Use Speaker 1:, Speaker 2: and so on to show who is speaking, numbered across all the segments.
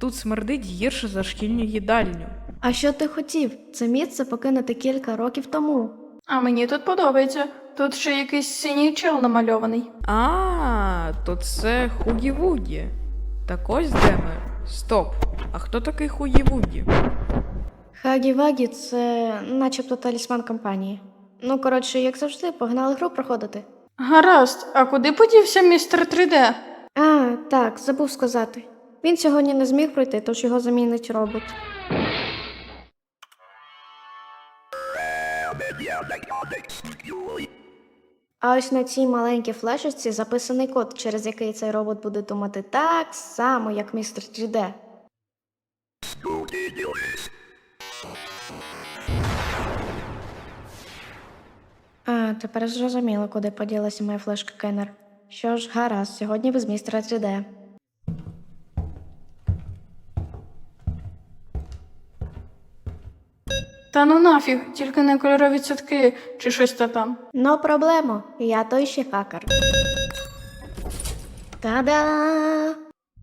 Speaker 1: Тут смердить гірше за шкільну їдальню.
Speaker 2: А що ти хотів? Це місце покинути кілька років тому.
Speaker 3: А мені тут подобається. Тут ще якийсь синій чел намальований.
Speaker 1: То це Хугі-Вугі. Так ось де ми. Стоп. А хто такий Хугі-Вугі?
Speaker 2: Хагі-Вагі – це начебто талісман компанії. Ну, коротше, як завжди, погнали гру проходити.
Speaker 3: Гаразд, а куди подівся містер 3D?
Speaker 2: А, так, забув сказати. Він сьогодні не зміг пройти, тож його замінить робот. А ось на цій маленькій флешечці записаний код, через який цей робот буде думати так само, як містер 3D. А, тепер зрозуміло, куди поділася моя флешка Кеннер. Що ж, гаразд, сьогодні без містера 3D.
Speaker 3: Та ну нафіг, тільки не кольорові цятки чи щось там.
Speaker 2: Но проблемо, я той ще хакер. Та-да!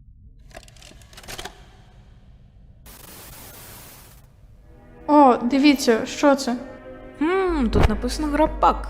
Speaker 3: О, дивіться, що це?
Speaker 1: Тут написано грапак.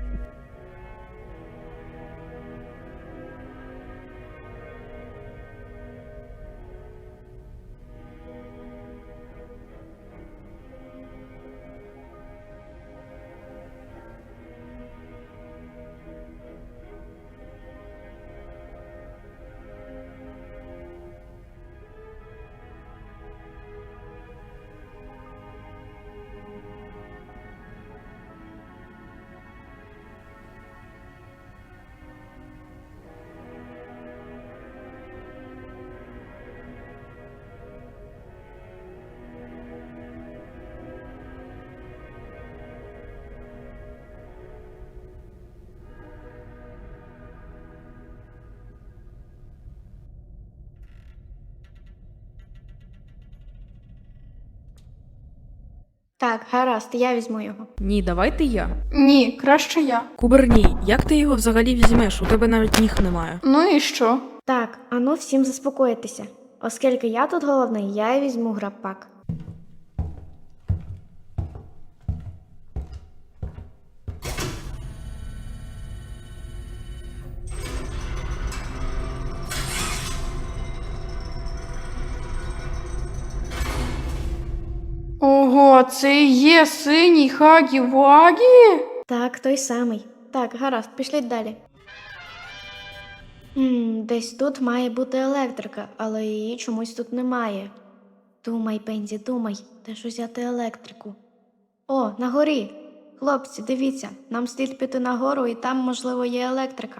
Speaker 2: Так, гаразд, я візьму його.
Speaker 1: Ні, давайте я.
Speaker 3: Ні, краще я.
Speaker 1: Куберній, як ти його взагалі візьмеш? У тебе навіть ніг немає.
Speaker 3: Ну і що?
Speaker 2: Так, ану всім заспокоїтися. Оскільки я тут головний, я й візьму грапак.
Speaker 3: Ого, це і є синій Хагі-Вагі?
Speaker 2: Так, той самий. Так, гаразд, пішліть далі. Десь тут має бути електрика, але її чомусь тут немає. Думай, Пензі, думай, де ж взяти електрику? О, на горі! Хлопці, дивіться, нам слід піти нагору і там, можливо, є електрика.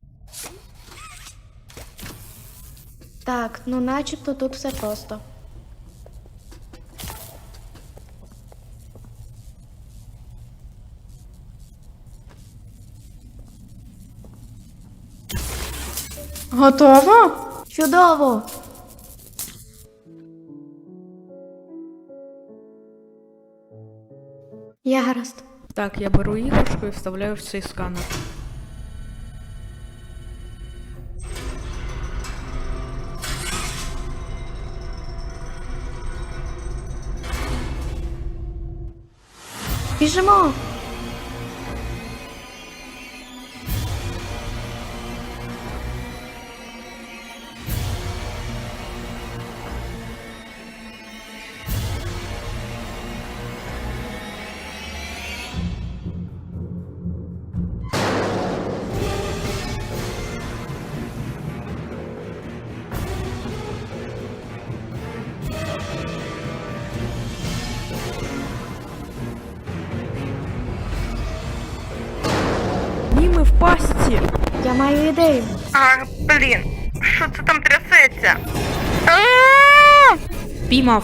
Speaker 2: Так, ну начебто тут все просто.
Speaker 3: Готово?
Speaker 2: Чудово! Я гаразд.
Speaker 1: Так, я беру іграшку і вставляю в цей сканер.
Speaker 2: Біжимо!
Speaker 1: Ні, ми в пастці!
Speaker 2: Я маю ідею.
Speaker 4: Ах, блін, що це там трясеться?
Speaker 1: Піймав.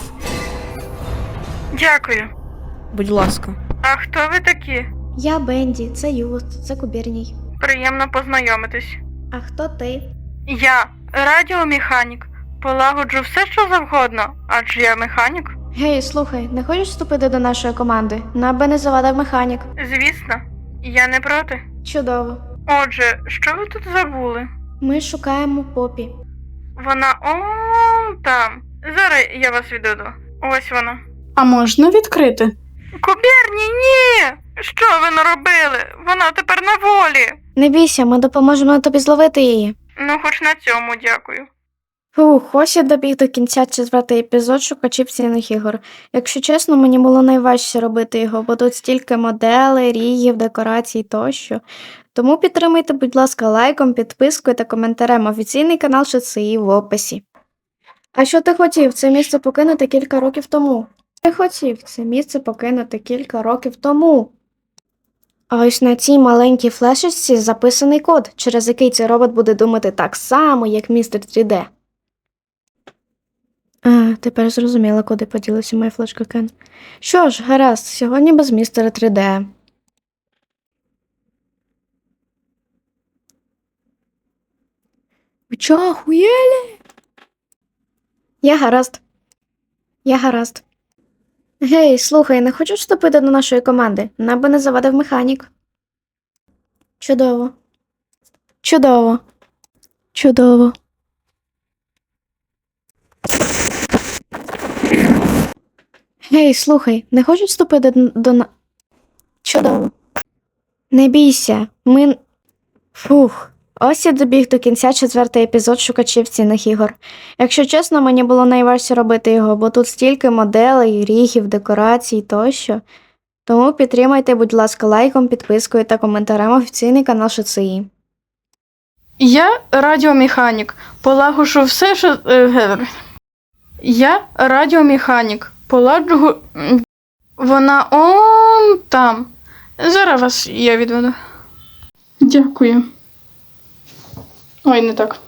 Speaker 4: Дякую.
Speaker 1: Будь ласка.
Speaker 4: А хто ви такі?
Speaker 2: Я Бенді, це Юст, це Кубірній.
Speaker 4: Приємно познайомитись.
Speaker 2: А хто ти?
Speaker 4: Я радіомеханік. Полагоджу все, що завгодно, адже я механік.
Speaker 2: Гей, слухай, не хочеш вступити до нашої команди? Нам би не завадив механік.
Speaker 4: Звісно, я не проти.
Speaker 2: Чудово.
Speaker 4: Отже, що ви тут забули?
Speaker 2: Ми шукаємо Попі.
Speaker 4: Вона там. Зараз я вас відведу. Ось вона.
Speaker 3: А можна відкрити?
Speaker 4: Кубірні, ні! Що ви наробили? Вона тепер на волі.
Speaker 2: Не бійся, ми допоможемо тобі зловити її.
Speaker 4: Ну, хоч на цьому дякую.
Speaker 2: Фух, ось і добіг до кінця 4-й епізод шукачів цінних ігор. Якщо чесно, мені було найважче робити його, бо тут стільки моделей, рігів, декорацій тощо. Тому підтримайте, будь ласка, лайком, підпискою та коментарем. Офіційний канал ШЦІ в описі. А що ти хотів це місце покинути кілька років тому? Ти хотів це місце покинути кілька років тому. А ось на цій маленькій флешечці записаний код, через який цей робот буде думати так само, як містер 3D. А, тепер зрозуміла, куди поділася моя флешка Кен. Що ж, гаразд, сьогодні без містера 3D. Ви чого, охуєлі? Я гаразд. Я гаразд. Гей, слухай, не хочеш вступити до нашої команди? Нам би не завадив механік. Чудово. Чудово. Чудово. Гей, слухай, не хочеш вступити Чудово. Не бійся, Фух. Ось я добіг до кінця 4-й епізод шукачів цінних ігор. Якщо чесно, мені було найважче робити його, бо тут стільки моделей, рігів, декорацій тощо. Тому підтримайте, будь ласка, лайком, підпискою та коментарем офіційний канал ШЦІ.
Speaker 3: Я радіомеханік. Полагоджу все, що. Я радіомеханік. Полагоджу. Вона он там. Зараз вас я відведу. Дякую. Ой, не так.